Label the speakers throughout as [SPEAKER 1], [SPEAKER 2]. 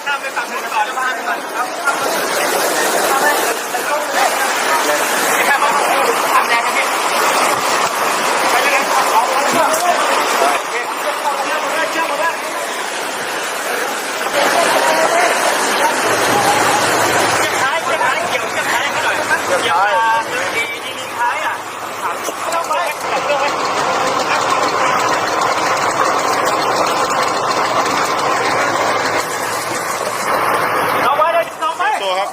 [SPEAKER 1] ข้ามไปฝั่งนู้นก่อนข้ามไปก่อนครับแค่มาทำแรงกันพี่ไปเลยเอาไปเลยเชื่อหมดแล้วท้ายเกี่ยวท้ายกันหน่อยเกี่ยวดีท้ายอ่ะต้องไปจับเรื่องไว้เอาไว้เลยเอาไปตัวครับ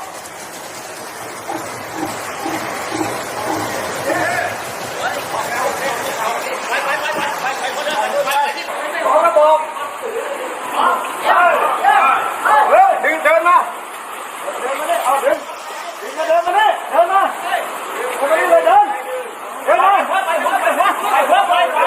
[SPEAKER 1] ดึงเดินมาเดินมาดิเอาดึงมาเดินมาดิเดินมาทำไมเลยเดินมาไป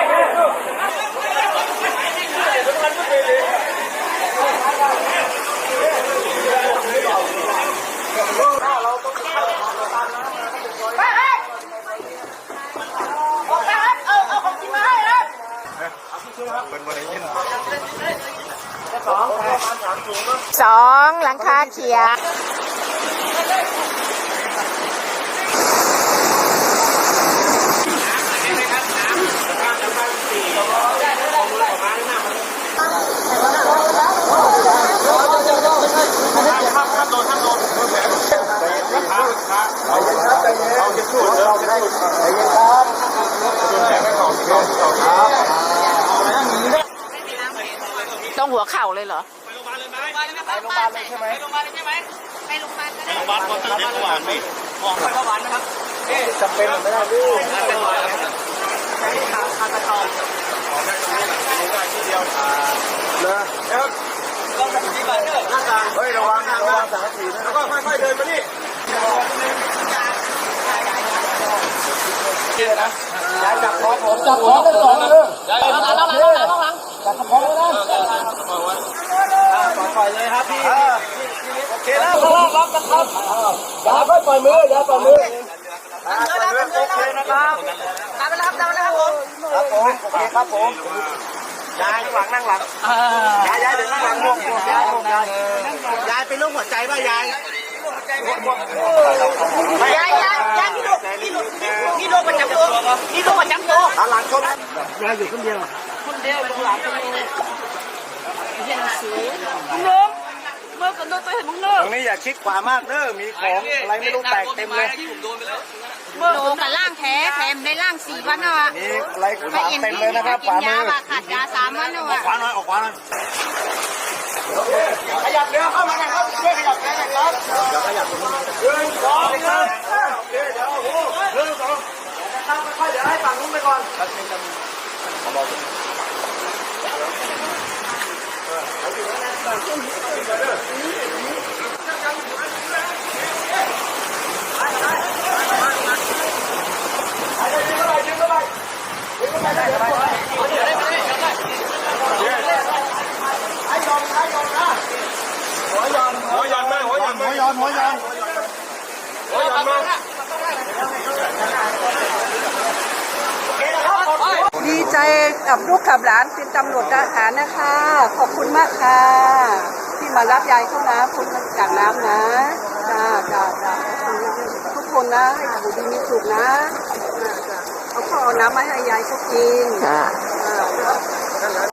[SPEAKER 2] สองหลังคาเขียวต้องหัวเข่าเลยเหรอ
[SPEAKER 1] ไปโรงพยาบาลเลยใช่ไหมไปโรงพยาบาลเลยใช่ไหมไปโรงพยาบาลก็ได้โรงพยาบาลพอตื่นเมื่อวานไหมมองไปเมื่อวานนะครับจำเป็นไม่ได้พี่เป็นรอยแล้วใช้คาตาทองได้ตรงนี้แหละได้ทีเดียวเลยแล้วต้องทำที่บ้านเด้อหน้าต่างเฮ้ยระวังสังกะสีนะแล้วก็ค่อยๆเดินมานี่ย้ายจับคอผมจับคอได้สองเลยย้ายหลังจับคอแล้วนะปล่อยเลยครับพี่โอเคแล้วล็อกกันครับอย่าค่อยปล่อยมืออย่าปล่อยมือโอเคนะครับตามไปแล้วครับผมครับผมโอเคครับผมยายนั่งหลังยายเดี๋ยวนั่งหลังงงยายเป็นโรคหัวใจป่ะยายพี่โรคประจำตัวหลังชนยายอยู่คนเดียวหลังเมื่อกันโดนตัวเห็นมึงเนอะตรงนี้อย่าชิดขวามากเนอะมีของอะไรไม่รู้แตกเต็มเลย
[SPEAKER 2] โดนกับล่างแถมได้ล่าง4 วันอ่ะ
[SPEAKER 1] มีอะไรขวาเต็มเลยนะครับขวามือ
[SPEAKER 2] ขาดยา3 วันอ่ะ
[SPEAKER 1] ขวาหน่อยออกขวาหน่อยขยับเดี๋ยวเข้ามาครับช่วยขยับแขนหน่อยครับเดี๋ยวขยับตรงนี้1 2 3โอเคเดี๋ยว1 2ค่อยๆเดี๋ยวให้ฝั่งนู้นไปก่อน
[SPEAKER 3] ดีใจกับลูกกับหลานเป็นตำรวจทหารนะคะขอบคุณมากค่ะที่มารับยายเข้านะพ้นจากน้ำนะจ้าทุกคนนะให้อยู่ดีมีสุขนะเอาข้าวเอาน้ำมาให้ยายเขากิน